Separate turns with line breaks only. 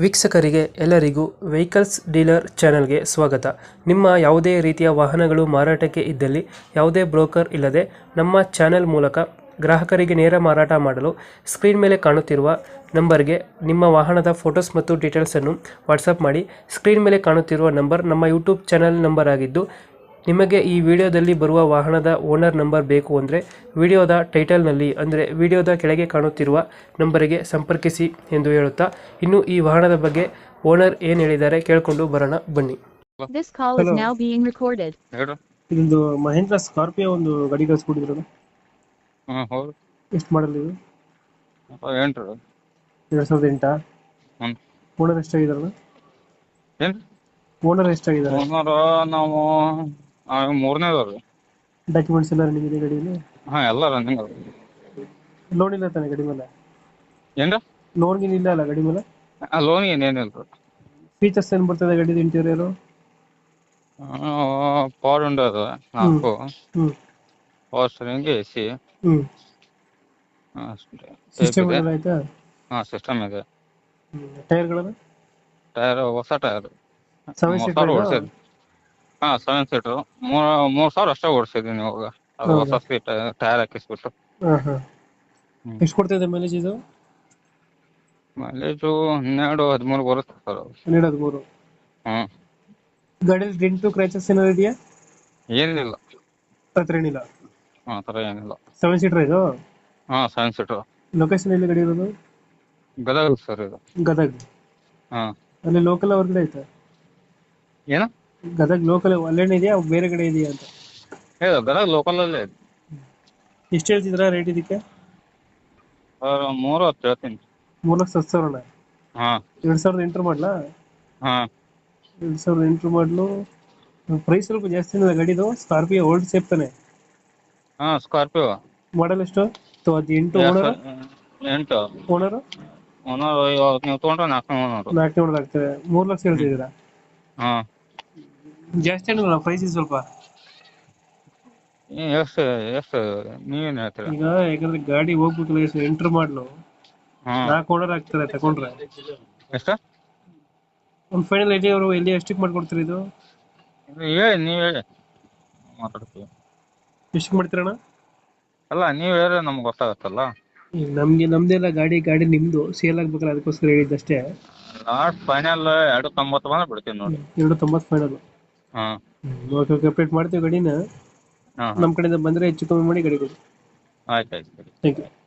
ವೀಕ್ಷಕರಿಗೆ ಎಲ್ಲರಿಗೂ vehicles dealer ಚಾನೆಲ್ಗೆ ಸ್ವಾಗತ. ನಿಮ್ಮ ಯಾವುದೇ ರೀತಿಯ ವಾಹನಗಳು ಮಾರಾಟಕ್ಕೆ ಇದ್ದಲ್ಲಿ ಯಾವುದೇ ಬ್ರೋಕರ್ ಇಲ್ಲದೆ ನಮ್ಮ ಚಾನೆಲ್ ಮೂಲಕ ಗ್ರಾಹಕರಿಗೆ ನೇರ ಮಾರಾಟ ಮಾಡಲು ಸ್ಕ್ರೀನ್ ಮೇಲೆ ಕಾಣುತ್ತಿರುವ ನಂಬರ್ಗೆ ನಿಮ್ಮ ವಾಹನದ ಫೋಟೋಸ್ ಮತ್ತು ಡೀಟೇಲ್ಸನ್ನು ವಾಟ್ಸಪ್ ಮಾಡಿ. ಸ್ಕ್ರೀನ್ ಮೇಲೆ ಕಾಣುತ್ತಿರುವ ನಂಬರ್ ನಮ್ಮ ಯೂಟ್ಯೂಬ್ ಚಾನೆಲ್ ನಂಬರ್ ಆಗಿದ್ದು, ನಿಮಗೆ ಈ ವಿಡಿಯೋದಲ್ಲಿ ಬರುವ ವಾಹನದ ಓನರ್ ನಂಬರ್ ಬೇಕು ಅಂದರೆ ವಿಡಿಯೋದ ಟೈಟಲ್ನಲ್ಲಿ ಅಂದರೆ ವಿಡಿಯೋದ ಕೆಳಗೆ ಕಾಣುತ್ತಿರುವ ನಂಬರಿಗೆ ಸಂಪರ್ಕಿಸಿ ಎಂದು ಹೇಳುತ್ತಾ, ಇನ್ನು ಈ ವಾಹನದ ಬಗ್ಗೆ ಓನರ್ ಏನು ಹೇಳಿದ್ದಾರೆ ಕೇಳಿಕೊಂಡು ಬರೋಣ ಬನ್ನಿ.
This call is
Hello.
now being recorded.
ಹೇಳ್ರಿ.
ಇದೊಂದು ಮಹೇಂದ್ರ ಸ್ಕಾರ್ಪಿಯೋ ಒಂದು ಗಾಡಿ ಕಳಿಸ್ಕೊಟ್ಟಿದ್ರು,
ಹೌದು.
ಎಷ್ಟು ಮಾಡಲ್ ಇದು?
ಏನ್ರಿ?
2008.
ಹ್ಮ್.
ಓನರ್ ಎಷ್ಟಾಗಿದಾರಣ?
ಏನ್ರಿ?
ಓನರ್ ಎಷ್ಟಾಗಿದ್ದಾರೆ?
ಓನರ್ ನಾವು ಮೂರನೇದವ್ರಿ.
ಡಾಕ್ಯುಮೆಂಟ್ಸ್ ಎಲ್ಲ ರನ್ನಿಂಗ್ ಇದೆ ಗಾಡಿಯಲ್ಲಿ?
ಎಲ್ಲ ರನ್ನಿಂಗ್ ಅದ.
ಲೋನ್ ಇಲ್ಲ ತಾನೆ ಗಾಡಿ ಮೇಲೆ?
ಏನ್ರಿ?
ಲೋನ್ ಗೀನ್ ಇಲ್ಲ ಅಲ್ಲ ಗಾಡಿ ಮೇಲೆ?
ಲೋನ್ ಏನೇನಿಲ್ರಿ.
ಫೀಚರ್ಸ್ ಏನು ಬರ್ತದೆ ಗಾಡಿದು ಇಂಟೀರಿಯರು?
ಪವರ್ ವಿಂಡೋ ಅದ 4,
ಹ್ಞೂ
ಪವರ್ ಸ್ಟೀರಿಂಗ್, AC
ಹ್ಞೂ
ಅಷ್ಟೇ.
ಸಿಸ್ಟಮ್ ಎಲ್ಲ ಆಯ್ತಾ?
ಸಿಸ್ಟಮ್ ಇದೆ.
ಟೈರ್ಗಳನ್ನು
ಟೈರ್ ಹೊಸ ಟೈರ್
7
3,000
ಸೀಟರ್?
ಓಡಿಸಿದ್ವಿ. 7 ಸೀಟರ್ 3,000 ಅಷ್ಟೇ ಓಡಿಸಿದೀನಿ ಇವಾಗ. ಅದು
ಹೌದಾ?
ಹೊಸ ಟೈರ್ ಹಾಕಿಸ್ಬಿಟ್ಟು.
ಹಾಂ ಹಾಂ.
ಹ್ಮ್.
ಎಷ್ಟು ಕೊಡ್ತಿದೆ ಮೈಲೇಜ್ ಇದು?
ಮೈಲೇಜು 12-13 ಬರುತ್ತೆ ಸರ್.
12-13.
ಹ್ಮ್.
ಗಾಡಿಯಲ್ಲಿ ಡೆಂಟು ಕ್ರ್ಯಾಚಸ್ ಏನಾದ್ರು ಇದೆಯಾ?
ಏನಿಲ್ಲ,
ಹತ್ರ ಏನಿಲ್ಲ.
ಆ ಥರ ಏನಿಲ್ಲ.
7 ಸೀಟರ್ ಇದು?
7 ಸೀಟರ್.
ಲೊಕೇಶನ್ ಎಲ್ಲಿ ಗಾಡಿ ಇರೋದು?
ಗದಗ ಸರ್ ಇದು.
ಗದಗ್.
ಹಾಂ.
ಅಲ್ಲಿ ಲೋಕಲ್ ಹೊರಗಡೆ ಆಯ್ತಾ?
ಏನು?
ಗದಗ್ ಲೋಕಲ್ ಅಲ್ಲೇನೇ ಇದೆಯಾ ಬೇರೆ ಕಡೆ ಇದೆಯಾ ಅಂತ?
ಹೇಳು, ಗದಗ ಲೋಕಲಲ್ಲೇ ಇದೆ.
ಎಷ್ಟು ಹೇಳ್ತಿದ್ರ ರೇಟ್ ಇದಕ್ಕೆ?
ಸರ್ 3,10 ಹೇಳ್ತೀನಿ.
3,10,000.
ಹಾಂ
2008 ಮಾಡಲಾ?
ಹಾಂ.
2008 ಮಾಡಲು. ಪ್ರೈಸ್ ಸ್ವಲ್ಪ ಜಾಸ್ತಿ ಇದೆ ಗಾಡಿದು. ಸ್ಕಾರ್ಪಿಯೋ ಓಲ್ಡ್ ಸೇಫ್ ತಾನೆ?
ಸ್ಕಾರ್ಪಿಯೋ
ಮಾಡಲ್ ಎಷ್ಟು? 8 ಓನರ್?
8
owner
owner. ಇವಾಗ ನೀವು ತೊಗೊಂಡ್ರೆ 4 ಓನರ್.
4 ಓನರ್ ಆಗ್ತದೆ. 3 ಲಕ್ಷ ಹೇಳ್ತಿದ್ದೀರಾ?
ಹಾಂ.
ಜಾಸ್ತಿ ಏನಿಲ್ಲ ಪ್ರೈಸ್ ಸ್ವಲ್ಪ.
ಎಷ್ಟು ಎಷ್ಟು ನೀವೇನು ಹೇಳ್ತೀರಾ?
ಈಗ ಯಾಕಂದ್ರೆ ಗಾಡಿ ಹೋಗ್ಬೇಕಲ್ಲ, ಎಷ್ಟು ಎಂಟ್ರ್ ಮಾಡ್ಲು
ಹಾಂ.
4 ಓನರ್ ಆಗ್ತದೆ ತಗೊಂಡ್ರೆ.
ಎಷ್ಟು?
ಒಂದು ಫೈನಲ್ ಐಡಿಯಾ ಅವರು ಎಲ್ಲಿ ಎಷ್ಟಕ್ಕೆ ಮಾಡ್ಕೊಡ್ತೀರಿ ಇದು?
ಹೇಳಿ, ನೀವು ಹೇಳಿ ಮಾತಾಡ್ತೀವಿ.
ಎಷ್ಟಕ್ಕೆ ಮಾಡ್ತೀರಣ್ಣ?
ಅಲ್ಲ, ನೀವು ಹೇಳಿದ್ರೆ ನಮ್ಗೆ ಗೊತ್ತಾಗತ್ತಲ್ಲ.
ಈಗ ನಮ್ದೆಲ್ಲ ಗಾಡಿ ನಿಮ್ದು ಸೇಲ್ ಆಗ್ಬೇಕಲ್ಲ, ಅದಕ್ಕೋಸ್ಕರ ಹೇಳಿದ್ದಷ್ಟೇ.
ಲಾಸ್ಟ್ ಫೈನಲ್ 2,90 ಬಂದ್ರೆ ಬಿಡ್ತೀನಿ ನೋಡಿ.
2,90 ಫೈನಲ್.
ಹಾಂ.
ಓಕೆ ಓಕೆ, ಅಪ್ಡೇಟ್ ಮಾಡ್ತೀವಿ ಗಾಡಿನ.
ಹಾಂ.
ನಮ್ಮ ಕಡೆಯಿಂದ ಬಂದರೆ ಹೆಚ್ಚು ಕಮ್ಮಿ ಮಾಡಿ ಗಾಡಿ ಕೊಡಿ.
ಆಯ್ತು ಆಯ್ತು.
Thank you.